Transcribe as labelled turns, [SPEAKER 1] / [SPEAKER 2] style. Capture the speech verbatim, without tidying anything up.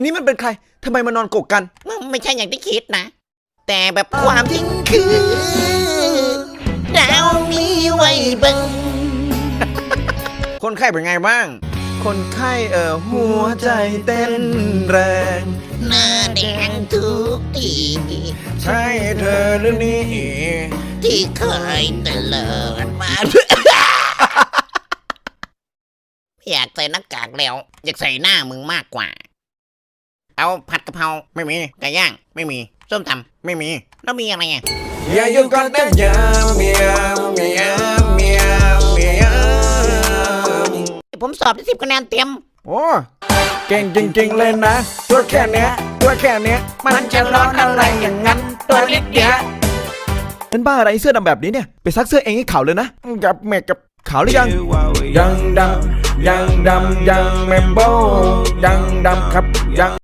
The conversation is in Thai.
[SPEAKER 1] นี่มันเป็นใครทำไมมานอนกกกัน
[SPEAKER 2] ไม่ใช่อย่างที่คิดนะแต่แบบความจริงคือดาวมีไว้บัง
[SPEAKER 1] คนไข้เป็นไงบ้างคนไข้เอ่อหัวใจเต้นแรง
[SPEAKER 2] หน้าแดงทุกที
[SPEAKER 1] ใช่เธอหรือนี่
[SPEAKER 2] ที่เคยเตลิดมาอยากใส่หน้ากากแล้วอยากใส่หน้ามึงมากกว่าเอาผัดกะเพราไม่มีไก่ย่างไม่มีส้มตำไม่มีแล้วมีอะไรอ่ะ
[SPEAKER 1] อย่ายุ่งกันนะอย่าเมียเมียเมียเมีย
[SPEAKER 2] ผมสอบได้สิบคะแนนเต็ม
[SPEAKER 1] โอ้เก่งจริงๆเลยนะตัวแค่เนี้ยตัวแค่เนี้ย
[SPEAKER 2] มันจะร้อนอะไรอย่างนั้นตัวเล็กเดียว
[SPEAKER 1] เป็นบ้าอะไรเสื้อดำแบบนี้เนี่ยไปซักเสื้อเองให้ขาวเลยนะกับแม่กับขาวหรือยังยังดำยังดำยังแมมโบยังดำครับยัง